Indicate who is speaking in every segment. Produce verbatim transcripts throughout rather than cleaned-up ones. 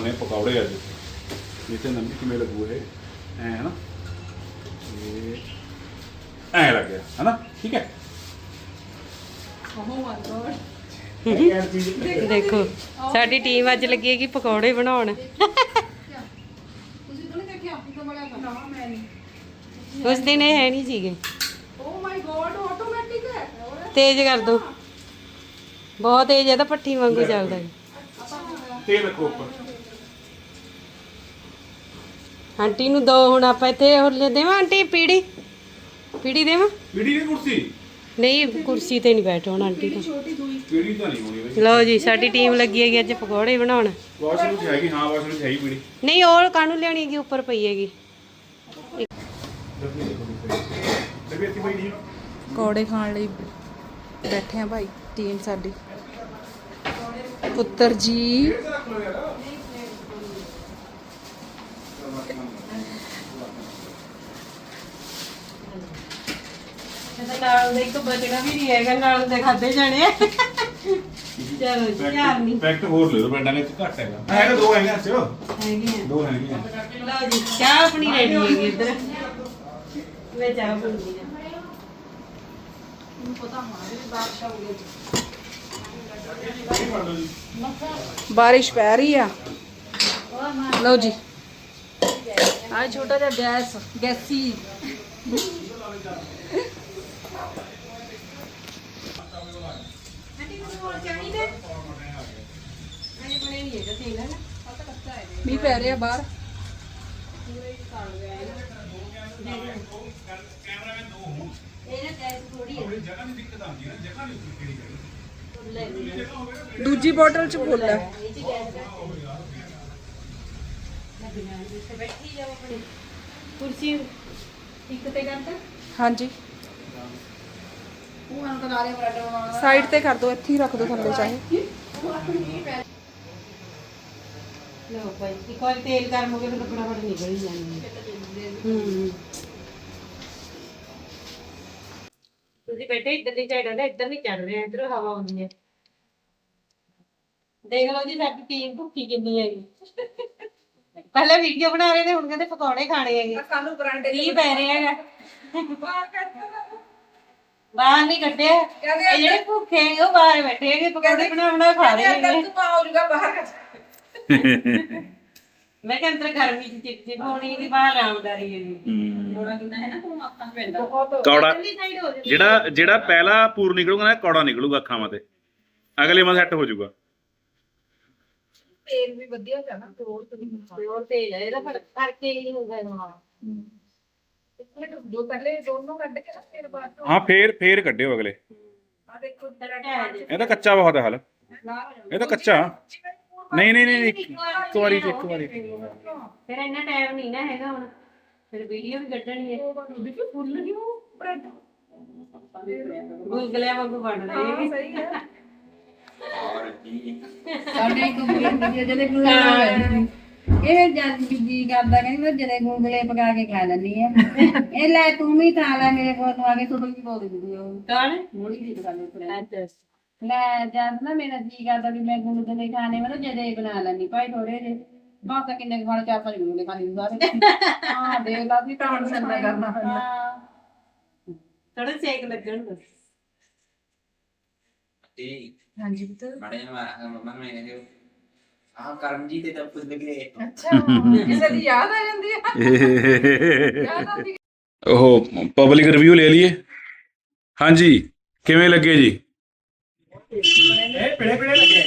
Speaker 1: ਬਣਾਉਣੇ ਪਕੌੜੇ ਅੱਜ ਜਿੱਥੇ ਨੰਬੀ ਕਿਵੇਂ ਲੱਗੂ ਇਹ ਐ ਹੈ ਨਾ ਇਹ ਐ ਲੱਗ ਗਿਆ ਹੈ ਨਾ ਠੀਕ ਹੈ
Speaker 2: ਦੇਖੋ ਸਾਡੀ ਟੀਮ ਅੱਜ ਲੱਗੀ ਹੈਗੀ ਪਕੌੜੇ ਬਣਾਉਣ ਉਸ ਦਿਨ ਇਹ ਹੈ ਨਹੀਂ ਸੀਗੇ
Speaker 3: ਓ ਮਾਈ ਗॉड ਆਟੋਮੈਟਿਕ ਹੈ
Speaker 2: ਤੇਜ਼ ਕਰ ਦੋ ਬਹੁਤ ਤੇਜ਼ ਹੈ ਤਾਂ ਪੱਠੀ ਵਾਂਗੂ ਚੱਲਦਾ ਹੈ
Speaker 1: ਤੇਲ ਰੱਖੋ ਉੱਪਰ
Speaker 2: ਆਂਟੀ ਨੂੰ ਦੋ ਹੁਣ ਆਪਾਂ ਇੱਥੇ ਹੋਰ ਲੈ ਦੇਵਾਂ ਆਂਟੀ ਪੀੜੀ ਪੀੜੀ ਦੇਵਾਂ
Speaker 1: ਪੀੜੀ ਦੀ ਕੁਰਸੀ
Speaker 2: ਨਹੀਂ ਕੁਰਸੀ ਤੇ ਨਹੀਂ ਬੈਠੋ ਹੁਣ ਆਂਟੀ ਤੋਂ
Speaker 1: ਪੀੜੀ ਤਾਂ ਨਹੀਂ ਹੋਣੀ ਬਈ
Speaker 2: ਲਓ ਜੀ ਸਾਡੀ ਟੀਮ ਲੱਗੀ ਹੈਗੀ ਅੱਜ ਪਕੌੜੇ ਬਣਾਉਣ
Speaker 1: ਵਾਸ਼ਰੂਮ ਚ ਹੈਗੀ ਹਾਂ ਵਾਸ਼ਰੂਮ ਚ ਹੈਗੀ ਪੀੜੀ
Speaker 2: ਨਹੀਂ ਉਹ ਕਾਹਨੂੰ ਲਿਆਉਣੀ ਹੈਗੀ ਉੱਪਰ ਪਈ ਹੈਗੀ
Speaker 3: ਪਕੌੜੇ ਖਾਣ ਲਈ ਬੈਠੇ ਆ ਭਾਈ ਟੀਮ ਸਾਡੀ ਪੁੱਤਰ ਜੀ
Speaker 2: ਨਾਲ ਦੇ ਇੱਕ ਬਚਣਾ ਵੀ ਨਹੀਂ ਹੈਗਾ ਨਾਲ ਦੇ ਖਾਦੇ ਜਾਣੇ ਆ ਚਲੋ ਜੀ ਧਿਆਨ ਨਹੀਂ
Speaker 1: ਪੈਕਟ ਹੋਰ ਲੈ ਲਓ ਪਿੰਡਾਂ ਵਿੱਚ ਘੱਟ ਹੈਗਾ ਹੈਗਾ ਦੋ ਹੈਗੇ ਅੱਛਾ
Speaker 2: ਹੈਗੇ ਆ
Speaker 1: ਦੋ ਹੈਗੇ ਆ
Speaker 2: ਲਓ ਜੀ ਚਾਹ ਆਪਣੀ ਰੈਡੀ ਹੈਗੀ ਇੱਧਰ ਮੈਂ ਚਾਹ ਬਣਾਉਂਦੀ ਆ
Speaker 3: ਪਤਾ ਹੋਣਾ ਵੀ ਬਾਰਿਸ਼ ਆਉਗੀ ਬਾਰਿਸ਼ ਪੈ ਰਹੀ ਆ ਲਓ ਜੀ ਆ ਛੋਟਾ ਜਿਹਾ ਗੈਸ ਗੈਸੀ ਮੀਂਹ ਪੈ ਰਿਹਾ ਬਾਹਰ ਦੂਜੀ ਬੋਟਲ ਚ ਫੁੱਲ ਹੈ
Speaker 2: ਕੁਰਸੀ ਇੱਕ ਤੇ ਕਰਤਾ
Speaker 3: ਹਾਂਜੀ ਸਾਈਡ ਤੇ ਕਰ ਦੋ ਇੱਥੇ ਹੀ ਰੱਖ ਦੋ ਥੱਲੇ ਚਾਹੇ
Speaker 2: ਲਓ ਭਾਈ ਇੱਕ ਵਾਰ ਤੇਲ ਗਰਮ ਹੋ ਗਿਆ ਫਿਰ ਫਟਾਫਟ ਨਿਕਲ ਹੀ ਜਾਣੀ ਹੈ ਹੂੰ ਤੁਸੀਂ ਬੈਠੇ ਇੱਧਰ ਦੀ ਸਾਈਡ ਆਂਦਾ ਇੱਧਰ ਨਹੀਂ ਚੜ ਰਿਹਾ ਇੱਧਰ ਹਵਾ ਆਉਂਦੀ ਹੈ ਦੇਖ ਲਓ ਜੀ ਸਾਡੀ ਟੀਮ ਭੁੱਖੀ ਕਿੰਨੀ ਹੈਗੀ ਪਹਿਲੇ ਵੀਡੀਓ ਬਣਾ ਰਹੇ ਨੇ ਹੁਣ ਕਹਿੰਦੇ ਪਕੌੜੇ ਖਾਣੇ ਹੈਗੇ
Speaker 3: ਸਾਨੂੰ ਬਰਾਂਡੇ
Speaker 2: ਕੀ ਪੈ ਰਿਹਾ ਹੈਗਾ ਬਾਹਰ ਨਹੀਂ ਕੱਢਿਆ ਇਹ ਜਿਹੜੇ ਭੁੱਖੇ ਹੈਗੇ ਉਹ ਬਾਹਰ ਬੈਠੇ ਹੈਗੇ ਪਕੌੜੇ ਬਣਾ ਬਣਾ ਖਾ ਰਹੇ ਹੈਗੇ ਮੈਂ ਕਿਹਾ ਅੰਦਰ ਗਰਮੀ ਚ ਚਿਪਚਿਪ ਹੋਣੀ ਦੀ ਬਾਹਰ ਆਰਾਮਦਾਰੀ ਹੈਗੀ ਥੋੜਾ ਕਿੰਨਾ ਹੈ ਨਾ ਤੂੰ ਅੱਖਾਂ ਪੈਂਦਾ
Speaker 1: ਕੌੜਾ ਜਿਹੜਾ ਜਿਹੜਾ ਪਹਿਲਾ ਪੂਰ ਨਿਕਲੂਗਾ ਨਾ ਕੌੜਾ ਨਿਕਲੂਗਾ ਅੱਖਾਂ ਮਤੇ ਅਗਲੇ ਮਾ ਸੈੱਟ ਹੋ ਜਾਊਗਾ
Speaker 3: ਤੇਲ ਵੀ ਵਧੀਆ ਹੈ ਨਾ ਹੋਰ ਤੇ
Speaker 2: ਹੋਰ ਤੇਜ਼ ਹੈ ਇਹਦਾ ਫਰਕ ਕਰਕੇ ਹੀ ਹੁੰਦਾ ਹਾਂ
Speaker 3: ਜੋ ਪਹਿਲੇ ਦੋਨੋਂ ਕੱਢ ਕੇ ਫਿਰ ਬਾਅਦ
Speaker 1: ਹਾਂ ਫੇਰ ਫੇਰ ਕੱਢਿਓ ਅਗਲੇ
Speaker 3: ਆ ਦੇਖੋ
Speaker 1: ਇਹ ਤਾਂ ਕੱਚਾ ਬਹੁਤ ਹੈ ਹਾਲ ਇਹ ਤਾਂ ਕੱਚਾ ਨਹੀਂ ਨਹੀਂ ਨਹੀਂ ਇੱਕ ਵਾਰੀ ਇੱਕ ਵਾਰੀ
Speaker 2: ਫਿਰ ਇੰਨਾ ਟਾਈਮ ਨਹੀਂ ਨਾ ਹੈਗਾ ਹੁਣ ਫਿਰ ਵੀਡੀਓ ਵੀ ਕੱਢਣੀ ਹੈ
Speaker 3: ਫੁੱਲ ਨਹੀਂ ਬ੍ਰੈਡ
Speaker 2: ਗੁਲਗੁਲਿਆਂ ਵਾਂਗੂ ਬਣ ਰਹੇ ਹੈਗੇ
Speaker 3: ਸਹੀ ਹੈ
Speaker 4: ਸਾਡੇ ਗੁੰਗਲੇ ਜਿਹੜੇ ਗੁੰਗਲੇ ਇਹ ਜਦ ਜੀ ਕਰਦਾ ਕਹਿੰਦੀ ਮੈਂ ਜਦੇ ਗੁੰਗਲੇ ਪਕਾ ਕੇ ਖਾ ਲੈਂਦੀ ਆ ਇਹ ਲੈ ਤੂੰ ਵੀ ਖਾ ਲੈ ਮੇਰੇ ਕੋਲ ਆ ਕੇ ਤੁਹਾਨੂੰ ਕੀ ਬੋਲ ਦਿੰਦੀ ਉਹ
Speaker 2: ਕੌਣ
Speaker 4: ਮੋੜੀ ਦੀ ਦੁਕਾਨ ਤੇ
Speaker 2: ਅੱਛਾ
Speaker 4: ਲੈ ਜਦ ਨਾ ਮੇਰਾ ਜੀ ਕਰਦਾ ਵੀ ਮੈਂ ਗੁੰਗਲੇ ਖਾਣੇ ਮੈਂ ਜਦੇ ਬਣਾ ਲੈਂਦੀ ਭਾਈ ਥੋੜੇ ਜਿਹੇ ਬਾਤ ਕਿੰਨੇ ਖਾਣੇ ਚਾਰ ਪੰਜ ਗੁੰਗਲੇ ਖਾਣੇ ਸਾਰੇ ਹਾਂ ਦੇਖ ਲਾ ਵੀ ਤਾਂ ਸੰਨਾ ਕਰਨਾ ਪੈਂਦਾ
Speaker 2: ਥੋੜਾ ਸੇਕ ਲੱਗਣ ਬਸ
Speaker 3: ਹਾਂਜੀ ਪੁੱਤ
Speaker 5: ਬੜੇ ਮੰਮਾ ਨੂੰ ਕਹਿੰਦੇ ਆਹ ਕਰਮਜੀਤ ਤੇ ਤਾਂ ਪੁੱਛ ਲਗੇ
Speaker 3: ਅੱਛਾ ਕਿਸੇ ਦੀ ਯਾਦ ਆ ਜਾਂਦੀ ਹੈ ਯਾਦ ਆਉਂਦੀ
Speaker 1: ਉਹ ਪਬਲਿਕ ਰਿਵਿਊ ਲੈ ਲਈਏ ਹਾਂਜੀ ਕਿਵੇਂ ਲੱਗੇ ਜੀ
Speaker 5: ਇਹ ਪੜੇ ਪੜੇ ਲੱਗੇ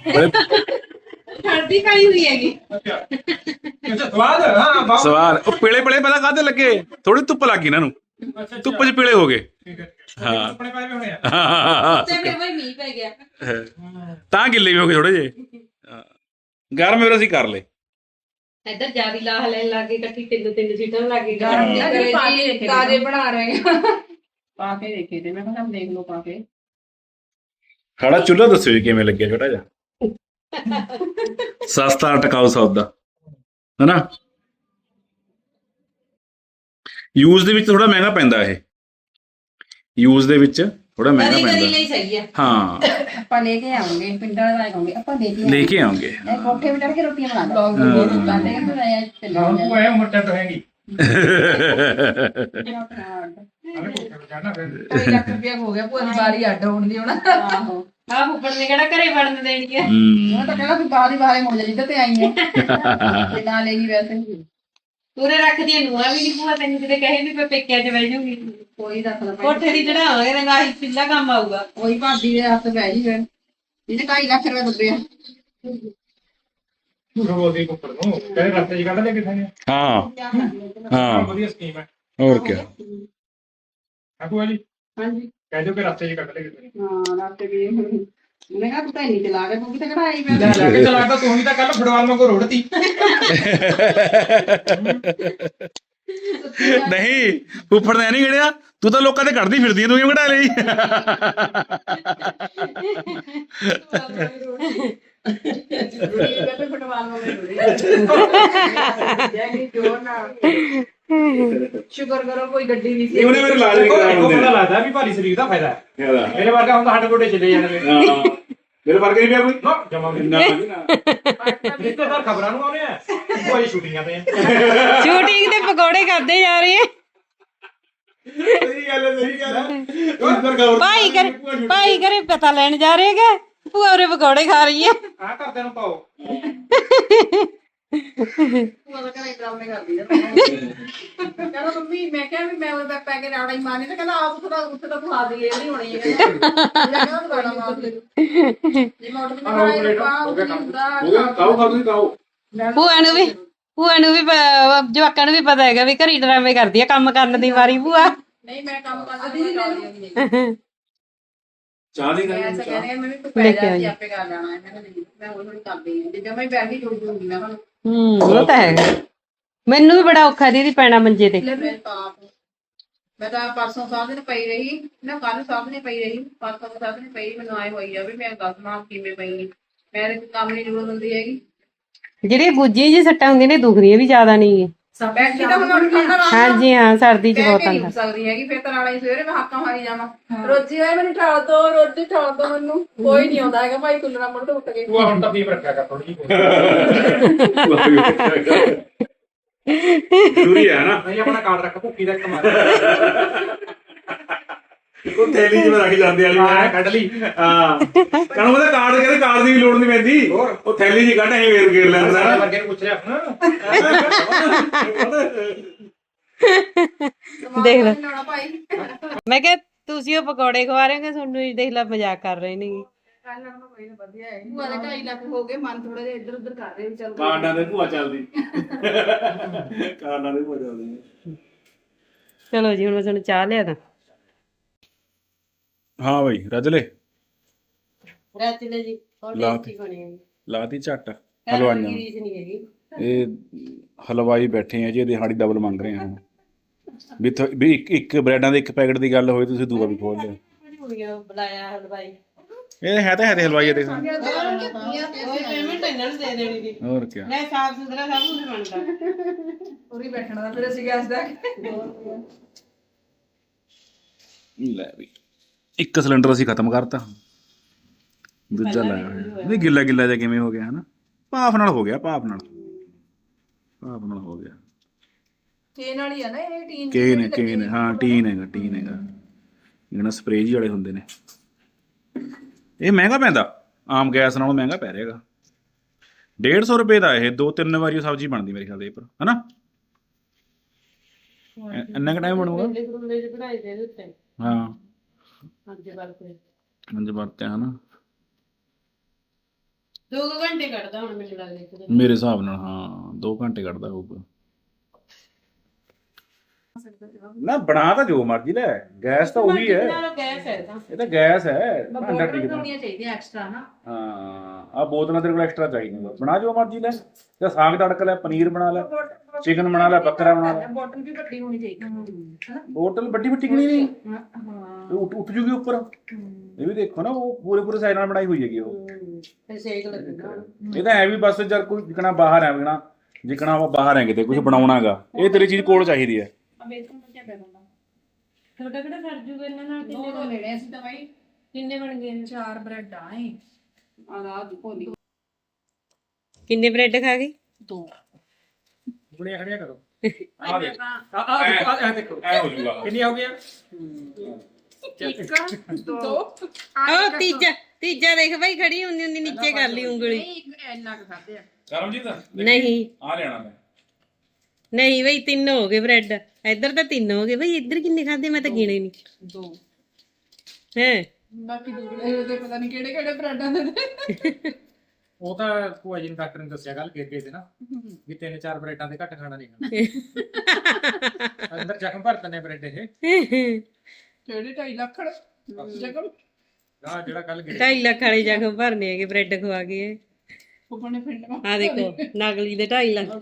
Speaker 2: ਹਲਦੀ ਪਾਈ ਹੋਈ ਹੈਗੀ
Speaker 5: ਅੱਛਾ ਸਵਾਦ ਹਾਂ
Speaker 1: ਸਵਾਲ ਉਹ ਪੀਲੇ ਪੀਲੇ ਪਹਿਲਾਂ ਕਾਹਦੇ ਲੱਗੇ ਥੋੜੀ ਧੁੱਪ ਲੱਗੀ ਇਹਨਾਂ ਨੂੰ ਧੁੱਪ 'ਚ ਪੀਲੇ ਹੋ ਗਏ
Speaker 5: ਠੀਕ ਹੈ
Speaker 1: ਹਾਂ
Speaker 5: ਆਪਣੇ ਪਾਏ ਹੋਏ ਆ
Speaker 2: ਤੇ ਫਿਰ ਵਈ ਮੀਂਹ ਪੈ ਗਿਆ
Speaker 1: ਤਾਂ ਗਿੱਲੇ ਵੀ ਹੋ ਗਏ ਥੋੜੇ ਜੇ ਗਰਮ ਫਿਰ ਅਸੀਂ ਕਰ ਲਏ
Speaker 2: ਇੱਧਰ ਜਿਆਦੀ ਲਾਹ ਲੈਣ ਲੱਗ ਗਈ ਇਕੱਠੀ ਤਿੰਨ ਤਿੰਨ ਸੀਟਾਂ ਲੱਗ ਗਈ
Speaker 4: ਤਾਜ਼ੇ ਬਣਾ ਰਹੇ ਪਾ ਕੇ ਦੇਖੇ ਤੇ ਮੈਂ ਕਿਹਾ ਦੇਖ ਲਓ ਪਾ ਕੇ
Speaker 1: ਸਾਡਾ ਚੁੱਲ੍ਹਾ ਦੱਸਿਓ ਜੀ ਕਿਵੇਂ ਲੱਗਿਆ ਛੋਟਾ ਜਿਹਾ ਸਸਤਾ ਟਿਕਾਊ ਸੌਦਾ ਹੈਨਾ ਯੂਜ਼ ਦੇ ਵਿੱਚ ਥੋੜਾ ਮਹਿੰਗਾ ਪੈਂਦਾ ਇਹ ਯੂਜ਼ ਦੇ ਵਿੱਚ ਥੋੜਾ ਮਹਿੰਗਾ
Speaker 2: ਕਦੀ ਕਦੀ
Speaker 1: ਪੈਂਦਾ
Speaker 2: ਲਈ ਸਹੀ ਹੈ।
Speaker 1: ਹਾਂ
Speaker 4: ਆਪਾਂ ਲੈ ਕੇ ਆਵਾਂਗੇ ਪਿੰਡਾਂ ਵਾਲੇ ਕਹਾਂਗੇ ਆਪਾਂ ਲੈ ਕੇ
Speaker 1: ਲੈ ਕੇ ਆਉਂਗੇ
Speaker 4: ਆਵਾਂਗੇ ਕੋਠੇ ਤੇ ਚੜ ਕੇ ਰੋਟੀਆਂ ਬਣਾ ਲਓ ਸਾਡੇ ਕਹਿੰਦੇ ਆਇਆ ਚੱਲ
Speaker 6: ਹੁਣ ਤੂੰ ਆਇਆ ਮੁੱਟਾ ਤਾਂ ਹੈਗੀ
Speaker 3: ਢਾਈ ਲੱਖ ਰੁਪਇਆ ਹੋ ਗਿਆ ਭੂਆ ਦੀ ਵਾਰੀ ਅੱਡ ਹੋਣ ਦੀ ਹੁਣ
Speaker 4: ਆਹੋ
Speaker 2: ਆਹ ਫੁੱਫੜ ਨੇ ਕਿਹੜਾ ਘਰੇ ਵੜਨ ਦੇਣੀ ਹੈ।
Speaker 1: ਹੂੰ
Speaker 4: ਉਹ ਤਾਂ ਕਹਿੰਦਾ ਵੀ ਬਾਹਰ ਹੀ ਬਾਹਰ ਮੁੜ ਜਾ ਜਿੱਦਾਂ ਤੇ ਆਈ ਹੈ ਤੇ ਨਾ ਲੈ ਗਈ ਵੈਸੇ ਹੀ।
Speaker 2: ਪੂਰੇ ਰੱਖਦੀਆਂ ਨੂੰਹਾਂ ਵੀ ਨਹੀਂ ਭੂਆ ਤੈਨੂੰ ਕਿਤੇ ਕਹੇ ਵੀ ਮੈਂ ਪੇਕਿਆਂ 'ਚ ਬਹਿ ਜਾਊਂਗੀ
Speaker 4: ਕੋਈ ਦੱਸ ਨਾ
Speaker 2: ਕੋਠੇ ਦੀ ਚੜਾਵਾਂਗੇ ਤੇ ਗਾਹੀ ਪਿੱਲਾ ਕੰਮ ਆਊਗਾ।
Speaker 4: ਕੋਈ ਭਾਬੀ ਦੇ ਹੱਥ ਪੈ ਜੀ ਫਿਰ ਇਹਨੇ ਢਾਈ ਲੱਖ ਰੁਪਏ ਦੱਬਿਆ
Speaker 6: ਝੂਠ ਬੋਲਦੀ ਕੁੱਪੜ ਨੂੰ ਕਹਿੰਦੇ ਰਸਤੇ 'ਚ ਕੱਢ ਲੈ ਕਿਥੇ ਨੇ
Speaker 1: ਹਾਂ ਹਾਂ
Speaker 6: ਵਧੀਆ ਸਕੀਮ ਹੈ
Speaker 1: ਹੋਰ ਕੀ
Speaker 6: ਆ ਭੂਆ ਜੀ
Speaker 4: ਹਾਂਜੀ
Speaker 6: ਕਹਿ ਦਿਓ ਕਿ ਰਸਤੇ 'ਚ ਕੱਢ ਲੈ ਕਿਥੇ ਨੇ
Speaker 4: ਹਾਂ ਰਾਤੇ ਵੀ ਉਹਨੇ ਕਹਾ ਤੂੰ ਤਾਂ ਇੰਨੀ ਚਲਾ ਕੇ ਤੂੰ ਕਿਤੇ ਕਢਾਈ
Speaker 6: ਲੈ ਲੈ ਕੇ ਚਲਾਤਾ ਤੂੰ ਵੀ ਤਾਂ ਕੱਲ ਫੁੱਟਬਾਲ ਵਾਂਗੂ ਰੋੜਤੀ
Speaker 1: ਨਹੀਂ ਫੁੱਫੜ ਨੇ ਨਹੀਂ ਗਿਣਿਆ ਤੂੰ ਤਾਂ ਲੋਕਾਂ ਦੇ ਕੱਢਦੀ ਫਿਰਦੀ ਆਂ, ਤੂੰ ਕਿਉਂ ਕਢਾ ਲਈ
Speaker 4: ਤੇ ਫੁੱਟਬਾਲ ਹੋ ਗਈ ਜੈਗੀ ਜੋਰ ਨਾ ਸ਼ੁਕਰ ਕਰੋ ਕੋਈ ਗੱਡੀ ਨਹੀਂ ਸੀ
Speaker 1: ਉਹਨੇ ਮੇਰੇ ਲਾਜ
Speaker 6: ਦੇਖੋ ਦੇਖੋ ਪਤਾ ਲੱਗਦਾ ਵੀ ਭਾਰੀ ਸਰੀਰ ਦਾ ਫਾਇਦਾ ਹੈ ਮੇਰੇ ਵਰਗਾ ਹੁੰਦਾ ਹੱਡ ਗੋਡੇ ਚਲੇ ਜਾਣਗੇ
Speaker 1: ਹਾਂ ਮੇਰੇ ਵਰਗੇ ਨਹੀਂ ਪਿਆ ਕੋਈ
Speaker 6: ਨਾ ਜਮਾ ਵੀ
Speaker 1: ਨਾ ਨਾ
Speaker 6: ਰਿਸ਼ਤੇਦਾਰ ਖਬਰਾਂ ਨੂੰ ਆਉਣੇ ਆ ਕੋਈ ਸ਼ੂਟਿੰਗਾਂ ਤੇ
Speaker 2: ਸ਼ੂਟਿੰਗ ਦੇ ਪਕੌੜੇ ਕਰਦੇ ਜਾ ਰਹੇ ਆ।
Speaker 1: ਸਹੀ ਗੱਲ ਹੈ ਸਹੀ ਗੱਲ ਹੈ
Speaker 2: ਭਾਈ ਕਰ ਭਾਈ ਘਰੇ ਪਤਾ ਲੈਣ ਜਾ ਰਹੇ ਹੈਗੇ ਭੂਆ ਉਰੇ ਪਕੌੜੇ ਖਾ ਰਹੀ ਹੈ।
Speaker 6: ਆ ਘਰਦਿਆਂ ਨੂੰ ਪਾਓ
Speaker 4: ਭੂਆ ਦਾ ਘਰੇ ਡਰਾਮੇ ਕਰਦੀ ਆ ਕਹਿੰਦਾ ਮੰਮੀ ਮੈਂ ਕਿਹਾ ਵੀ ਮੈਂ ਉਹ ਬੈਕ ਪੈ ਕੇ ਰਾੜਾ ਹੀ ਮਾਰਨੀ ਤੇ ਕਹਿੰਦਾ ਆਪ ਉੱਥੇ ਦਾ ਉੱਥੇ ਤਾਂ ਖਾ ਦੀ ਇਹ ਨਹੀਂ ਹੋਣੀ ਹੈ ਕਹਿੰਦਾ ਉਹ ਗਾਣਾ ਮਾਰ ਦੇ ਜੇ ਮੈਂ ਉੱਠ ਕੇ ਖਾਈ ਪਾ ਉਹ ਹੁੰਦਾ
Speaker 1: ਖਾਓ ਖਾਓ ਤੁਸੀਂ ਖਾਓ
Speaker 2: ਭੂਆ ਨੂੰ ਵੀ ਭੂਆ ਨੂੰ ਵੀ ਪ- ਜਵਾਕਾਂ ਨੂੰ ਵੀ ਪਤਾ ਹੈਗਾ ਵੀ ਘਰੀ ਡਰਾਮੇ ਕਰਦੀ ਆ ਕੰਮ ਕਰਨ ਦੀ ਵਾਰੀ ਭੂਆ।
Speaker 4: ਨਹੀਂ ਮੈਂ ਕੰਮ ਕਰਦੀ ਨਹੀਂ ਕਰਦੀ
Speaker 1: ਚਾਹ ਦੀ
Speaker 4: ਮੈਂ
Speaker 1: ਗੱਲ
Speaker 4: ਐਸਾ ਕਹਿੰਦੇ ਮੈਂ ਵੀ ਪੈ ਜਾ ਕੇ ਆਪੇ ਕਰ ਲੈਣਾ ਹੈ ਮੈਂ ਕਿਹਾ ਨਹੀਂ ਮੈਂ ਹੌਲੀ ਹੌਲੀ ਕਰਦੀ ਹਾਂ ਜਿੱਦਾਂ ਮੈਂ ਬੈਠੀ ਜੁੜ ਜੂਗੀ ਮੈਂ ਹੁਣ
Speaker 2: ਹੂੰ ਉਹ ਤਾਂ ਹੈਗਾ ਮੈਨੂੰ ਵੀ ਬੜਾ ਔਖਾ ਦੀਦੀ ਪੈਣਾ ਮੰਜੇ ਤੇ।
Speaker 4: ਮੈਂ ਤਾਂ ਆਪ- ਮੈਂ ਤਾਂ ਪਰਸੋਂ ਸਾਹ ਦਿਨ ਪਈ ਰਹੀ ਨਾ ਕੱਲ ਸਾਹ ਦਿਨ ਪਈ ਰਹੀ ਪਰਸੋਂ ਸਾਹ ਦਿਨ ਪਈ ਮੈਨੂੰ ਆਏ ਹੋਈ ਆ ਵੀ ਮੈਂ ਦੱਸ ਮਾਂ ਕਿਵੇਂ ਪਈ ਨੀ। ਮੈਂ ਤੇ ਕੰਮ ਨਹੀਂ ਜੁੜ ਹੁੰਦੀ ਹੈਗੀ
Speaker 2: ਜਿਹੜੀਆਂ ਗੁੱਜੀਆਂ ਜੀ ਸੱਟਾਂ ਹੁੰਦੀਆਂ ਨੇ ਦੁਖਦੀਆਂ ਵੀ ਜ਼ਿਆਦਾ ਨਹੀਂ।
Speaker 4: ਬੈਠੀ ਤਾਂ ਹੁਣ ਠੰਡਾ ਰਾਤ
Speaker 2: ਹਾਂਜੀ ਹਾਂ ਸਰਦੀ ਚ ਬਹੁਤ
Speaker 4: ਨਹੀਂ
Speaker 2: ਆਉਂਦਾ।
Speaker 4: ਹੋ ਸਕਦੀ ਹੈਗੀ ਫਿਰ ਤਾਂ ਨਾਲੇ ਹੀ ਸਵੇਰੇ ਮੈਂ ਹੱਕਾਂ ਮਾਰੀ ਜਾਵਾਂ ਰੋਜੀ ਆਏ ਮੈਨੂੰ ਠਾਲ ਦੋ ਰੋਜੀ ਠਾਲ ਦੋ ਮੈਨੂੰ ਕੋਈ ਨਹੀਂ ਆਉਂਦਾ ਹੈਗਾ ਭਾਈ ਕੁੱਲਣਾ ਮੁੜ ਤੋਂ ਉੱਠ ਕੇ
Speaker 6: ਤੂੰ ਹੁਣ ਤਕਲੀਫ ਰੱਖਿਆ ਕਰ ਥੋੜੀ ਜਿਹੀ
Speaker 1: ਜ਼ਰੂਰੀ ਹੈ ਨਾ
Speaker 6: ਨਹੀਂ ਆਪਣਾ ਕਾਰਡ ਰੱਖ ਭੁੱਕੀ ਦਾ ਇੱਕ ਮਾਰ
Speaker 1: ਉਹ ਥੈਲੀ ਜਿਵੇਂ ਰੱਖ ਜਾਂਦੇ ਵਾਲੀ
Speaker 6: ਹਾਂ ਕੱਢ ਲਈ
Speaker 1: ਹਾਂ ਕਹਣ ਉਹਦਾ ਕਾਰਡ ਕਹਿੰਦੇ ਕਾਰਡ ਦੀ ਵੀ ਲੋੜ ਨਹੀਂ ਪੈਂਦੀ ਉਹ ਥੈਲੀ ਜੀ ਕੱਢ ਐਂ ਵੇਰ ਗੇਰ ਲੈਂਦਾ
Speaker 6: ਸਾਰੇ ਵਰਗੇ ਨੂੰ ਪੁੱਛ ਰਿਹਾ ਹੁਣ
Speaker 2: ਦੇਖ ਲੈ।
Speaker 4: ਲਾਉਣਾ ਭਾਈ
Speaker 2: ਮੈਂ ਕਿਹਾ ਤੁਸੀਂ ਉਹ ਪਕੌੜੇ ਖਵਾ ਰਹੇ ਹੋ ਤੁਹਾਨੂੰ ਹੀ ਦੇਖ ਲੈ ਮਜ਼ਾਕ ਕਰ ਰਹੇ ਨੇ।
Speaker 4: ਕੱਲ ਨਾਲ ਕੋਈ ਨਾ ਵਧੀਆ ਹੈ ਭੂਆ ਦੇ ਢਾਈ ਲੱਖ ਹੋ ਗਏ ਮਨ ਥੋੜਾ ਜਿਹਾ ਇੱਧਰ ਉੱਧਰ ਕਰ ਰਹੇ ਵੀ ਚੱਲ ਕੋਈ
Speaker 1: ਕਾਰਡਾਂ ਦੇ ਭੂਆ ਚੱਲਦੀ ਕਾਰਡਾਂ ਦੇ ਭੂਆ ਚੱਲਦੀ
Speaker 2: ਚਲੋ ਜੀ ਹੁਣ ਮੈਂ ਤੁਹਾਨੂੰ ਚਾਹ ਲਿਆ ਦਾਂ।
Speaker 1: ਹਾਂ ਬਈ ਰੱਜ ਲੈ
Speaker 2: ਰਾਤੀ ਜੀ
Speaker 1: ਲਾ
Speaker 2: ਕੀ ਬਣੀ ਹੈ
Speaker 1: ਲਾਤੀ ਝੱਟ ਹਲਵਾਈਆਂ
Speaker 2: ਰੀਸ ਨਹੀਂ ਹੈਗੀ।
Speaker 1: ਇਹ ਹਲਵਾਈ ਬੈਠੇ ਆ ਜੀ ਇਹਦੀ ਹਾੜੀ ਡਬਲ ਮੰਗ ਰਹੇ ਆ ਵੀ ਥੋ- ਵੀ ਇੱਕ ਇੱਕ ਬ੍ਰੈਡਾਂ ਦੇ ਇੱਕ ਪੈਕਟ ਦੀ ਗੱਲ ਹੋਏ ਤੁਸੀਂ ਦੂਆ ਵੀ ਖੋਲ ਲਿਓ
Speaker 2: ਕੁੜੀਆਂ ਬੁਲਾਇਆ ਹਲਵਾਈ
Speaker 1: ਇਹ ਹੈ ਤਾਂ ਹੈ ਤੇ ਹਲਵਾਈ ਆ ਦੇਖ
Speaker 2: ਉਹ ਪੇਮੈਂਟ ਇਹਨਾਂ ਨੂੰ ਦੇ ਦੇਣੀ ਦੀ
Speaker 1: ਹੋਰ ਕੀ
Speaker 2: ਮੈਂ ਸਾਫ ਸੁਥਰਾ ਸਭ ਕੁਝ ਬਣਦਾ।
Speaker 4: ਪੂਰੀ ਬੈਠਣਾ ਦਾ ਫਿਰ ਅਸੀਂ ਗੈਸ ਦਾ
Speaker 1: ਲੈ ਵੀ ਇੱਕ ਸਿਲੰਡਰ ਅਸੀਂ ਖਤਮ ਕਰਤਾ ਦੂਜਾ ਲਾਇਆ ਹੋਇਆ ਨਹੀਂ ਗਿੱਲਾ ਗਿੱਲਾ ਜਿਹਾ ਕਿਵੇਂ ਹੋ ਗਿਆ ਹਨਾ ਭਾਫ ਨਾਲ ਹੋ ਗਿਆ ਭਾਫ ਨਾਲ ਭਾਫ ਨਾਲ ਹੋ ਗਿਆ
Speaker 3: ਟੀਨ ਵਾਲੀ ਆ ਨਾ ਇਹ ਟੀਨ
Speaker 1: ਕੇਨ ਹੈ ਕੇਨ ਹੈ ਹਾਂ ਟੀਨ ਹੈਗਾ ਟੀਨ ਹੈਗਾ ਇਹਨਾਂ ਸਪਰੇਅ ਜੀ ਵਾਲੇ ਹੁੰਦੇ ਨੇ ਇਹ ਮਹਿੰਗਾ ਪੈਂਦਾ ਆਮ ਗੈਸ ਨਾਲੋਂ ਮਹਿੰਗਾ ਪੈ ਰਿਹਾਗਾ ਡੇਢ ਸੌ ਰੁਪਏ ਦਾ ਇਹ ਦੋ ਤਿੰਨ ਵਾਰੀ ਸਬਜ਼ੀ ਬਣਦੀ ਮੇਰੇ ਖਿਆਲ ਦੇ ਪਰ ਹਨਾ ਇੰਨਾ ਕੁ ਟਾਈਮ ਬਣੂਗਾ
Speaker 2: ਬਣਾਈ ਦੇ ਦਿੱਤੇ
Speaker 1: ਹਾਂ
Speaker 2: ਅੱਜ ਵਰਤੇ
Speaker 1: ਮੰਜ ਵਰਤਿਆ ਹਨਾ
Speaker 2: ਦੋ ਕੁ ਘੰਟੇ ਕੱਢਦਾ ਹੁਣ ਮੈਨੂੰ ਲੱਗਦਾ ਇੱਕ ਦਿਨ।
Speaker 1: ਮੇਰੇ ਹਿਸਾਬ ਨਾਲ ਹਾਂ ਦੋ ਘੰਟੇ ਕੱਢਦਾ ਹੋਊਗਾ ਨਾ ਬਣਾ ਤਾਂ ਜੋ ਮਰਜ਼ੀ ਲੈ ਗੈਸ ਤਾਂ ਉਹੀ ਹੈ
Speaker 2: ਨਾਲ ਗੈਸ ਹੈ ਤਾਂ
Speaker 1: ਇਹ ਤਾਂ ਗੈਸ ਹੈ ਭਾਂਡਾ
Speaker 4: ਬੋਤਲਾਂ
Speaker 1: ਟਿਕਦਾ
Speaker 4: ਬਣਾਉਣੀਆਂ ਚਾਹੀਦੀਆਂ ਐਕਸਟਰਾ ਨਾ
Speaker 1: ਹਾਂ ਆ ਬੋਤਲਾਂ ਤੇਰੇ ਕੋਲ ਐਕਸਟਰਾ ਚਾਹੀਦੀਆਂ ਬਣਾ ਜੋ ਮਰਜ਼ੀ ਲੈ ਜਾਂ ਸਾਗ ਤੜਕ ਲੈ ਪਨੀਰ ਬਣਾ ਲੈ ਚਿਕਨ ਬਣਾ ਲੈ ਬੱਕਰਾ ਬਣਾ ਲੈ
Speaker 4: ਬੋਟਲ ਵੀ ਵੱਡੀ ਹੋਣੀ ਚਾਹੀਦੀ ਹਨਾ
Speaker 1: ਬੋਤਲ ਵੱਡੀ ਵੱਡੀ ਕਿਹੜੀ ਨਹੀਂ
Speaker 4: ਹਾਂ
Speaker 1: ਇਹ ਉੱਠ ਉੱਠ ਜੂਗੀ ਉੱਪਰ ਇਹ ਵੀ ਦੇਖੋ ਨਾ ਉਹ ਪੂਰੇ ਪੂਰੇ ਸਾਈਡ ਨਾਲ ਬਣਾਈ ਹੋਈ ਹੈਗੀ ਉਹ
Speaker 2: ਤੇ ਸੇਕ ਲੱਗਦਾ।
Speaker 1: ਇਹ ਤਾਂ ਐ ਵੀ ਬਸ ਜਦ ਕੋਈ ਜਿਕਣਾ ਬਾਹਰ ਹੈ ਵਿਕਣਾ ਜਿਕਣਾ ਬਾਹਰ ਹੈ ਕਿਤੇ ਕੁਝ ਬਣਾਉਣਾਗਾ ਇਹ ਤੇਰੀ ਚੀਜ਼ ਕੋਲ ਚਾਹੀਦੀ ਹੈ
Speaker 4: ਬੇਸਨ ਦਾ ਕਿਆ ਪੈਣਾ
Speaker 2: ਤੁਹਾਡਾ ਕਿਹੜਾ ਸਰ ਜੂਗਾ ਇਹਨਾਂ ਨਾਲ
Speaker 4: ਦੋ ਦੋ ਲੈਣੇ ਸੀ ਤਾਂ ਬਾਈ
Speaker 2: ਕਿੰਨੇ ਬਣ ਗਏ ਨੇ?
Speaker 3: ਚਾਰ ਬ੍ਰੈਡ ਆਏ
Speaker 4: ਆ ਰਾਤ ਭੋਲੀ
Speaker 2: ਕਿੰਨੇ ਬ੍ਰੈਡ ਖਾ ਗਈ?
Speaker 3: ਦੋ
Speaker 6: ਗੁਣੀਆਂ ਖੜੀਆਂ ਕਰੋ
Speaker 3: ਆ ਦੇਖ
Speaker 6: ਆ ਆ ਦੇਖੋ ਆ ਦੇਖੋ
Speaker 1: ਐ ਹੋ ਜੂਗਾ
Speaker 6: ਕਿੰਨੀਆਂ ਹੋ ਗਈਆਂ
Speaker 3: ਇੱਕ ਦੋ
Speaker 2: ਉਹ ਤੀਜਾ ਤੀਜਾ ਦੇਖ ਬਾਈ ਖੜੀ ਹੁੰਦੀ ਹੁੰਦੀ ਨੀਚੇ ਕਰ ਲਈ ਉਂਗਲੀ।
Speaker 3: ਨਹੀਂ ਇੰਨਾ ਕੁ ਖਾਦੇ ਆ
Speaker 1: ਕਰਮਜੀਤ
Speaker 2: ਨਹੀਂ
Speaker 1: ਆ ਲੈਣਾ ਮੈਂ
Speaker 2: ਨਹੀਂ ਬਈ ਤਿੰਨ ਹੋ ਗਏ ਬ੍ਰੈਡ, ਇੱਧਰ ਤਾਂ ਤਿੰਨ ਹੋ ਗਏ ਬਈ, ਇੱਧਰ ਕਿੰਨੇ ਖਾਦੇ ਮੈਂ ਤਾਂ ਗਿਣੇ ਨਹੀਂ
Speaker 3: ਦੋ
Speaker 2: ਹੈ।
Speaker 3: ਬਾਕੀ ਦੂਜੇ ਦੇ ਪਤਾ ਨਹੀਂ ਕਿਹੜੇ ਕਿਹੜੇ ਬ੍ਰੈਡਾਂ ਦੇ ਨੇ।
Speaker 6: ਉਹ ਤਾਂ ਭੂਆ ਜੀ ਨੇ ਡਾਕਟਰ ਨੇ ਦੱਸਿਆ ਗੱਲ ਗਏ ਸੀ ਨਾ ਵੀ ਤਿੰਨ ਚਾਰ ਬ੍ਰੈਡਾਂ ਦੇ ਘੱਟ ਖਾਣਾ ਨਹੀਂ ਖਾਣਾ ਅੰਦਰ ਜ਼ਖਮ ਭਰ ਦਿੰਦੇ ਬ੍ਰੈਡ ਇਹ
Speaker 3: ਕਿਹੜੇ ਢਾਈ ਲੱਖ ਜਗਮ
Speaker 6: ਆ ਜਿਹੜਾ ਕੱਲ ਗਏ
Speaker 2: ਢਾਈ ਲੱਖ ਵਾਲੇ ਜ਼ਖਮ ਭਰਨੇ ਹੈਗੇ ਬ੍ਰੈਡ ਖਵਾ ਕੇ।
Speaker 3: ਫੁੱਫਣੇ ਪਿੰਡ ਮਾ
Speaker 2: ਆ ਦੇਖੋ ਨਕਲੀ ਦੇ ਢਾਈ ਲੱਖ।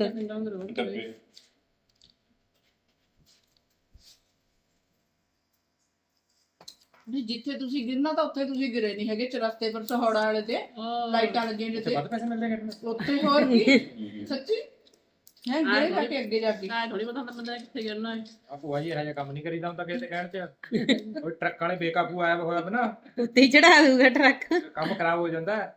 Speaker 3: ਵੀ ਜਿੱਥੇ ਤੁਸੀਂ ਗਿਰਨਾ ਤਾਂ ਉੱਥੇ ਤੁਸੀਂ ਗਿਰੇ ਨਹੀਂ ਹੈਗੇ, ਚਰਸਤੇ ਪਰ ਸਹੌੜਾ ਵਾਲੇ ਤੇ ਲਾਈਟਾਂ ਲੱਗੀਆਂ ਜਿੱਥੇ
Speaker 6: ਵੱਧ ਪੈਸੇ ਮਿਲਦੇ ਕਿਹੜੇ
Speaker 3: ਉੱਥੇ ਹੋਰ ਕੀ ਸੱਚੀ ਹੈ ਗਿਰੇ ਜਾ ਕੇ ਅੱਗੇ ਜਾ ਕੇ
Speaker 4: ਆ ਥੋੜੀ ਪਤਾ ਹੁੰਦਾ ਬੰਦਾ ਕਿੱਥੇ ਕਰਨਾ ਹੈ।
Speaker 6: ਆ ਭੂਆ ਜੀ ਇਹੋ ਜਿਹਾ ਕੰਮ ਨਹੀਂ ਕਰੀਦਾ ਹੁੰਦਾ ਕਿਸੇ ਦੇ ਕਹਿਣ ਤੇ ਉਹ ਟਰੱਕ ਵਾਲੇ ਬੇਕਾਬੂ ਆਇਆ ਹੋਇਆ ਵਾ ਨਾ
Speaker 2: ਉੱਤੇ ਹੀ ਚੜਾ ਦੂਗਾ ਟਰੱਕ।
Speaker 6: ਕੰਮ ਖਰਾਬ ਹੋ ਜਾਂਦਾ ਹੈ।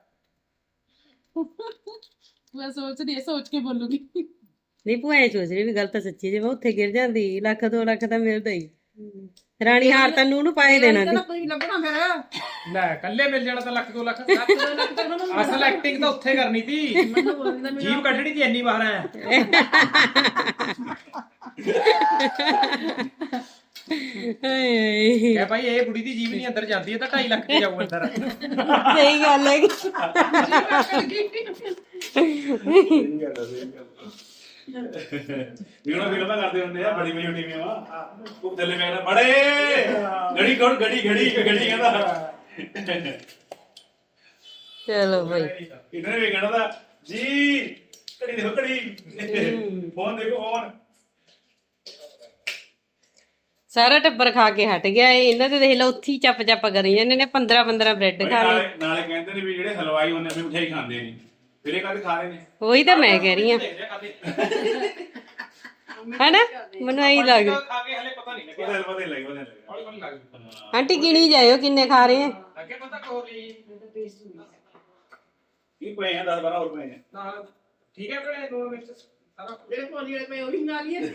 Speaker 3: ਮੈਂ ਸੋਚ ਰਹੀ ਸੋਚ ਕੇ ਬੋਲੂਗੀ
Speaker 2: ਨਹੀਂ ਭੂਆ ਐ ਸੋਚ ਰਹੀ ਵੀ ਗੱਲ ਤਾਂ ਸੱਚੀ ਜੇ ਮੈਂ ਉੱਥੇ ਗਿਰ ਜਾਂਦੀ ਲੱਖ ਦੋ ਲੱਖ ਤਾਂ ਮਿਲਦਾ ਹੀ। ਰਾਣੀ ਹਾਰ ਤਾਂ ਨੂੰ ਨੂੰ ਪਾਏ ਦੇਣਾ ਸੀ।
Speaker 3: ਕੋਈ ਲੱਭਣਾ ਫਿਰ
Speaker 6: ਲੈ ਕੱਲੇ ਮਿਲ ਜਾਣਾ ਤਾਂ ਲੱਖ ਦੋ ਲੱਖ ਅਸਲ ਐਕਟਿੰਗ ਤਾਂ ਉੱਥੇ ਕਰਨੀ ਸੀ ਜੀਭ ਕੱਢਣੀ ਸੀ ਇੰਨੀ ਵਾਰ ਹੈ
Speaker 2: ਹਾਏ
Speaker 6: ਕਹ ਭਾਈ ਇਹ ਕੁੜੀ ਦੀ ਜੀਭ ਨਹੀਂ ਅੰਦਰ ਜਾਂਦੀ ਹੈ ਤਾਂ ਢਾਈ ਲੱਖ ਤੇ ਜਾਊ ਅੰਦਰ
Speaker 2: ਸਹੀ ਗੱਲ ਹੈ।
Speaker 1: ਵੀਰੋ ਵੀਰੋ ਤਾਂ ਕਰਦੇ ਹੁੰਦੇ ਆ ਬੜੀ ਬੜੀ ਟੀਮਾਂ ਵਾ ਉਹ ਥੱਲੇ ਕਹਿੰਦਾ ਬੜੇ ਗੜੀ ਕੋਣ ਗੜੀ ਗੜੀ ਗੜੀ ਕਹਿੰਦਾ
Speaker 2: ਚਲੋ ਭਾਈ
Speaker 1: ਇਹਨਾਂ ਨੇ ਵੀ ਕਹਿਣਾ ਤਾਂ ਜੀ ਘੜੀ ਦੇਖੋ ਘੜੀ ਫੋਨ ਦੇਖੋ ਫੋਨ
Speaker 2: ਸਾਰਾ ਟੱਬਰ ਖਾ ਕੇ ਹਟ ਗਿਆ ਇਹ। ਇਹਨਾਂ ਤੇ ਦੇਖ ਲਓ ਉੱਥੇ ਹੀ ਚੱਪ ਚੱਪ ਕਰੀ ਜਾਂਦੇ ਨੇ ਪੰਦਰਾਂ ਪੰਦਰਾਂ ਬ੍ਰੈਡ ਖਾ ਲਏ।
Speaker 1: ਨਾਲੇ ਨਾਲੇ ਕਹਿੰਦੇ ਨੇ ਵੀ ਜਿਹੜੇ ਹਲਵਾਈ ਹੁੰਦੇ ਨੇ ਮਿਠਾਈ ਖਾਂਦੇ ਨੇ ਫਿਰ ਇਹ ਕਾਹਦੇ ਖਾ ਰਹੇ ਨੇ
Speaker 2: ਉਹੀ ਤਾਂ ਮੈਂ ਕਹਿ ਰਹੀ ਹਾਂ ਹੈਨਾ ਮੈਨੂੰ ਐਂ ਲੱਗਦਾ।
Speaker 6: ਖਾ ਕੇ ਹਲੇ ਪਤਾ ਨਹੀਂ ਲੱਗਿਆ
Speaker 1: ਉਹਦੇ ਪਤਾ ਨਹੀਂ ਲੱਗਦਾ
Speaker 6: ਹੌਲੀ ਹੌਲੀ ਲੱਗ ਜੂ
Speaker 2: ਆਂਟੀ ਗਿਣੀ ਜਾਇਓ ਕਿੰਨੇ ਖਾ ਰਹੇ ਆ।
Speaker 6: ਅੱਗੇ ਪਤਾ ਕੋ ਲਈ
Speaker 1: ਕੀ ਪਏ ਆ ਦਸ ਬਾਰਾਂ ਹੋਰ ਪਏ ਆ
Speaker 6: ਨਾਲ ਠੀਕ ਹੈ ਭੈਣੇ ਦੋ ਮਿੰਟ ਸਾਰਾ
Speaker 4: ਜਿਹੜੇ ਭੋਲੀ ਵਾਲੇ ਪਏ ਉਹੀ ਨਾਲ ਹੀ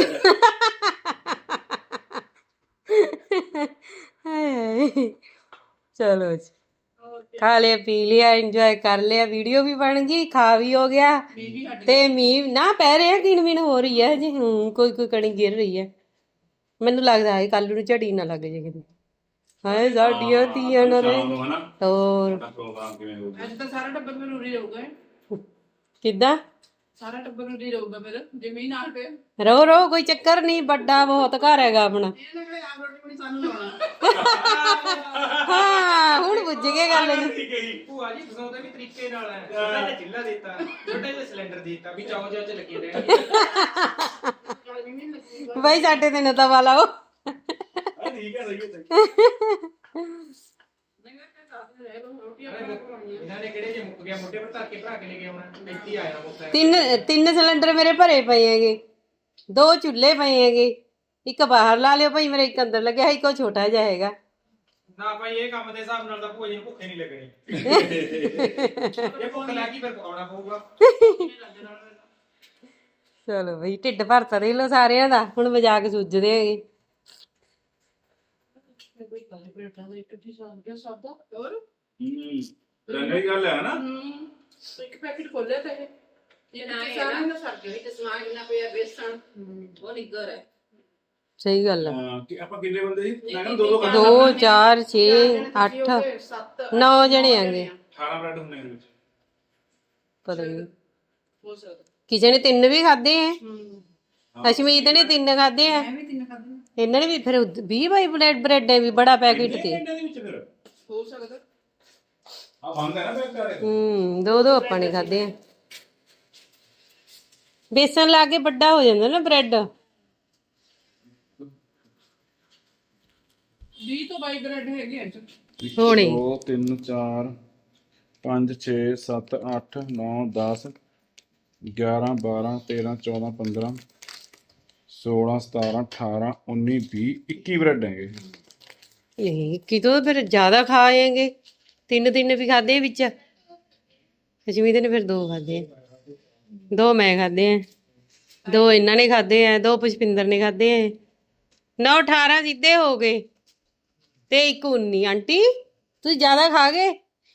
Speaker 2: ਹਾਏ ਚਲੋ ਜੀ ਖਾ ਲਿਆ ਪੀ ਲਿਆ ਇੰਜੋਏ ਕਰ ਲਿਆ ਵੀਡੀਓ ਵੀ ਬਣ ਗਈ ਖਾ ਵੀ ਹੋ ਗਿਆ ਤੇ ਮੀਂਹ ਨਾ ਪੈ ਰਿਹਾ ਕਿਣ ਮਿਣ ਹੋ ਰਹੀ ਹੈ ਜੀ। ਹੂੰ ਕੋਈ ਕੋਈ ਕਣੀ ਗਿਰ ਰਹੀ ਹੈ। ਮੈਨੂੰ ਲੱਗਦਾ ਹੈ ਕੱਲ ਨੂੰ ਝੜੀ ਨਾ ਲੱਗ ਜੇ ਕਿਤੇ। ਹਾਏ ਸਾਡੀਆਂ ਧੀਆਂ ਨਾ
Speaker 1: ਸ਼ਾਮ ਨੂੰ ਹਨਾ
Speaker 2: ਹੋਰ
Speaker 1: ਸਾਡਾ ਪ੍ਰੋਗਰਾਮ ਕਿਵੇਂ ਹੋਊਗਾ
Speaker 3: ਅੱਜ ਤਾਂ ਸਾਰਾ ਟੱਬਰ ਮੈਨੂੰ ਉਰੀ ਰਹੂਗਾ
Speaker 2: ਕਿੱਦਾਂ
Speaker 3: ਸਾਰਾ ਟੱਬਰ ਉਰੀ ਰਹੂਗਾ ਫਿਰ ਜਿਵੇਂ ਨਾਲ ਪਿਆ
Speaker 2: ਰੋ ਰੋ ਕੋਈ ਚੱਕਰ ਨਹੀਂ ਵੱਡਾ ਬਹੁਤ ਘਰ ਹੈਗਾ ਆਪਣਾ।
Speaker 4: ਇਹ ਲੱਗਦਾ ਆਪ ਰੋਟੀ ਬਣੀ ਸਾਨੂੰ ਲਾਉਣਾ
Speaker 2: ਹਾਂ ਹੁਣ ਬੁੱਝ ਗਏ ਗੱਲ ਨੂੰ।
Speaker 1: ਠੀਕ ਹੈ ਜੀ
Speaker 6: ਭੂਆ ਜੀ ਫਸਾਉਂਦੇ ਵੀ ਤਰੀਕੇ ਨਾਲ ਹੈ ਛੋਟਾ ਜਿਹਾ ਚਿੱਲਾ ਦਿੱਤਾ ਛੋਟਾ ਜਿਹਾ ਸਿਲੰਡਰ ਦਿੱਤਾ ਵੀ ਚਾਓ ਚਾਓ ਚ ਲੱਗੇ ਰਹਿਣ
Speaker 2: ਬਾਈ ਸਾਡੇ ਤੇ ਨਤਾ ਵਾਲਾ ਉਹ
Speaker 1: ਹਾਂ ਠੀਕ ਹੈ ਸਹੀ ਹੈ
Speaker 6: ਇਹਨਾਂ ਨੇ ਕਿਹੜੇ ਜੇ ਮੁੱਕ ਗਿਆ ਮੋਢੇ ਪਰ ਧਰ ਕੇ ਭਰਾ ਕੇ ਲੈ ਕੇ ਆਉਣਾ ਇੱਥੇ ਆਇਆ ਮੁੱਕਾ
Speaker 2: ਤਿੰਨ ਤਿੰਨ ਸਿਲੰਡਰ ਮੇਰੇ ਭਰੇ ਪਏ ਹੈਗੇ, ਦੋ ਚੁੱਲ੍ਹੇ ਪਏ ਹੈਗੇ, ਇੱਕ ਬਾਹਰ ਲਾ ਲਿਓ ਭਾਈ ਮੇਰਾ, ਇੱਕ ਅੰਦਰ ਲੱਗਿਆ, ਇੱਕ ਉਹ ਛੋਟਾ ਜਿਹਾ ਹੈਗਾ।
Speaker 6: ਨਾ ਭਾਈ ਇਹ ਕੰਮ ਦੇ ਹਿਸਾਬ ਨਾਲ ਤਾਂ ਭੂਆ ਜੀ ਨੂੰ ਭੁੱਖੇ ਨਹੀਂ ਲੱਗਣੀ ਇਹ ਭੁੱਖ ਲੱਗੀ ਫਿਰ ਪਕਾਉਣਾ ਪਊਗਾ।
Speaker 2: ਚਲੋ ਬਈ ਢਿੱਡ ਭਰਤਾ ਦੇ ਲੋ ਸਾਰਿਆਂ ਦਾ, ਹੁਣ ਮਜ਼ਾਕ ਸੁੱਝਦੇ ਹੈਗੇ।
Speaker 1: ਰੰਗੀ ਗੱਲ ਹੈ ਨਾ,
Speaker 3: ਇੱਕ ਪੈਕੇਟ ਖੋਲਿਆ ਤਾਂ ਇਹ
Speaker 4: ਇਹ ਨਾ ਇਹ ਸਾਰਾ ਨਾ ਸਰ ਗਈ ਤੇ ਸਮਾਨ ਕਿੰਨਾ ਪਿਆ ਬੇਸਣ ਉਹ ਨਿੱਗਰ ਹੈ।
Speaker 2: ਸਹੀ ਗੱਲ ਆ।
Speaker 1: ਹਾਂ ਕਿ ਆਪਾਂ ਕਿੰਨੇ ਬੰਦੇ ਸੀ? ਮੈਂ ਕਹਿੰਦਾ ਦੋ ਦੋ ਕਰ
Speaker 2: ਦੋ ਚਾਰ ਛੇ ਅੱਠ
Speaker 3: ਸੱਤ
Speaker 2: ਨੌ ਜਣੇ ਹੈਗੇ,
Speaker 1: ਅਠਾਰਾਂ ਬ੍ਰੈਡ ਹੁੰਦੇ ਨੇ ਇਹਦੇ ਵਿੱਚ।
Speaker 2: ਪਤਾ ਨਹੀਂ
Speaker 3: ਹੋ ਸਕਦਾ।
Speaker 2: ਕਿਸੇ ਨੇ ਤਿੰਨ ਵੀ ਖਾਦੇ ਹੈ, ਅਸ਼ਮੀਤ ਨੇ ਤਿੰਨ ਖਾਦੇ ਆ,
Speaker 3: ਮੈਂ ਵੀ ਤਿੰਨ ਖਾਦੇ
Speaker 2: ਇਹਨਾਂ ਨੇ ਵੀ ਫਿਰ ਵੀਹ ਬਾਈ ਬ੍ਰੈਡ ਬ੍ਰੈਡ ਵੀ ਬੜਾ ਪੈਕੇਟ ਤੇ।
Speaker 1: ਇਹਨਾਂ ਦੇ ਵਿੱਚ ਫਿਰ
Speaker 3: ਹੋ ਸਕਦਾ।
Speaker 1: ਆ ਬੰਦ ਹੈ ਨਾ ਬੈਕ ਕਰੇ।
Speaker 2: ਹੂੰ ਦੋ ਦੋ ਆਪਾਂ ਨੇ ਖਾਦੇ ਆ। ਬੇਸਣ ਲਾ ਕੇ ਵੱਡਾ ਹੋ ਜਾਂਦਾ ਨਾ ਬ੍ਰੈਡ।
Speaker 3: ਵੀਹ ਤੋਂ ਬਾਈ ਬ੍ਰੈਡ ਹੈਗੇ ਅੱਜ
Speaker 2: ਹੋਣੇ
Speaker 1: ਦੋ ਤਿੰਨ ਚਾਰ ਪੰਜ ਛੇ ਸੱਤ ਅੱਠ ਨੌ ਦਸ ਗਿਆਰਾਂ ਬਾਰਾਂ ਤੇਰਾਂ ਚੌਦਾਂ ਪੰਦਰਾਂ ਸੋਲਾਂ ਸਤਾਰਾਂ ਅਠਾਰਾਂ ਉੱਨੀ ਵੀਹ ਇੱਕੀ ਬ੍ਰੈਡ ਹੈਗੇ।
Speaker 2: ਇਹ ਕਿਤੋਂ ਫਿਰ ਜ਼ਿਆਦਾ ਖਾ ਆਏਗੇ। ਤਿੰਨ ਤਿੰਨ ਵੀ ਖਾਦੇ ਵਿੱਚ। ਅਸ਼ਮੀਤ ਨੇ ਫਿਰ ਦੋ ਖਾਦੇ ਆ, ਦੋ ਮੈਂ ਖਾਦੇ ਆ, ਦੋ ਇਹਨਾਂ ਨੇ ਖਾਦੇ ਆ, ਦੋ ਪੁਸ਼ਪਿੰਦਰ ਨੇ ਖਾਦੇ ਆ। ਨੌ ਅਠਾਰਾਂ ਸਿੱਧੇ ਹੋ ਗਏ ਤੇ ਇੱਕ ਉੱਨੀ। ਆਂਟੀ ਤੁਸੀਂ ਜ਼ਿਆਦਾ ਖਾ ਗਏ।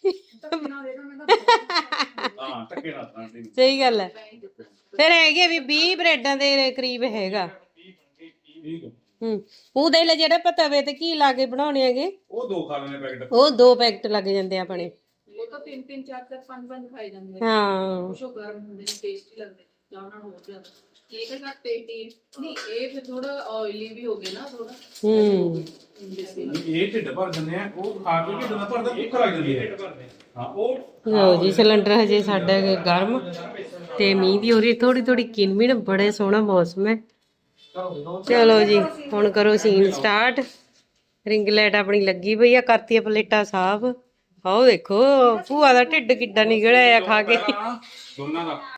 Speaker 1: ਹਾਂ ਟੱਕੇ ਨਾਲ ਤਾਂ ਆਂਟੀ।
Speaker 2: ਸਹੀ ਗੱਲ ਹੈ। ਫਿਰ ਹੈਗੇ ਵੀ ਵੀਹ ਬ੍ਰੈਡਾਂ ਦੇ ਕਰੀਬ ਹੈਗਾ।
Speaker 1: ਠੀਕ ਹੈ।
Speaker 2: ਹੂੰ ਉਹਦੇ ਲਈ ਜਿਹੜਾ ਆਪਾਂ ਤਵੇ ਤੇ ਘੀ ਲਾ ਕੇ ਬਣਾਉਣੇ ਹੈਗੇ
Speaker 1: ਉਹ ਦੋ ਖਾ ਲੈਣੇ ਪੈਕਟ।
Speaker 2: ਉਹ ਦੋ ਪੈਕਟ ਲੱਗ ਜਾਂਦੇ ਆ ਆਪਣੇ।
Speaker 3: ਉਹ ਤਾਂ ਤਿੰਨ ਤਿੰਨ ਚਾਰ ਚਾਰ ਪੰਜ ਪੰਜ ਖਾਈ ਜਾਂਦੇ
Speaker 2: ਹਾਂ
Speaker 3: ਕੁਛ ਉਹ ਗਰਮ ਹੁੰਦੇ ਨੇ ਟੇਸਟੀ ਲੱਗਦੇ ਜਾਂ ਉਹਨਾਂ ਨੂੰ ਹੋਰ ਜ਼ਿਆਦਾ ਇਹ ਤਾਂ ਘੱਟ ਟੇਸਟੀ ਨਹੀਂ ਇਹ ਫਿਰ ਥੋੜਾ ਆਇਲੀ ਵੀ ਹੋ ਗਿਆ ਨਾ ਥੋੜਾ
Speaker 2: ਹੂੰ
Speaker 1: ਇਹ ਢਿੱਡ ਭਰ ਜਾਂਦੇ ਆ, ਉਹ ਖਾ ਕੇ ਢਿੱਡ ਨਾ ਭਰਦਾ ਭੁੱਖ ਲੱਗ ਜਾਂਦੀ ਹੈ। ਹਾਂ ਉਹ
Speaker 2: ਲਓ ਜੀ ਸਿਲੰਡਰ ਹਜੇ ਸਾਡਾ ਗਰਮ ਤੇ ਮੀਂਹ ਵੀ ਹੋ ਰਹੀ ਥੋੜੀ ਥੋੜੀ ਕਿਨਮਿਨ। ਬੜੇ ਸੋਹਣਾ ਮੌਸਮ ਹੈ। ਚਲੋ ਜੀ ਹੁਣ ਕਰੋ ਸੀਨ ਸਟਾਰਟ। ਰਿੰਗ ਲਾਈਟ ਆਪਣੀ ਲੱਗੀ ਪਈ ਆ, ਕਰਤੀਆਂ ਪਲੇਟਾਂ ਸਾਫ਼। ਆਓ ਦੇਖੋ ਭੂਆ ਦਾ ਢਿੱਡ ਕਿੱਡਾ ਨਿਕਲਿਆ ਆ ਖਾ ਕੇ।
Speaker 1: ਦੋਨਾਂ ਦਾ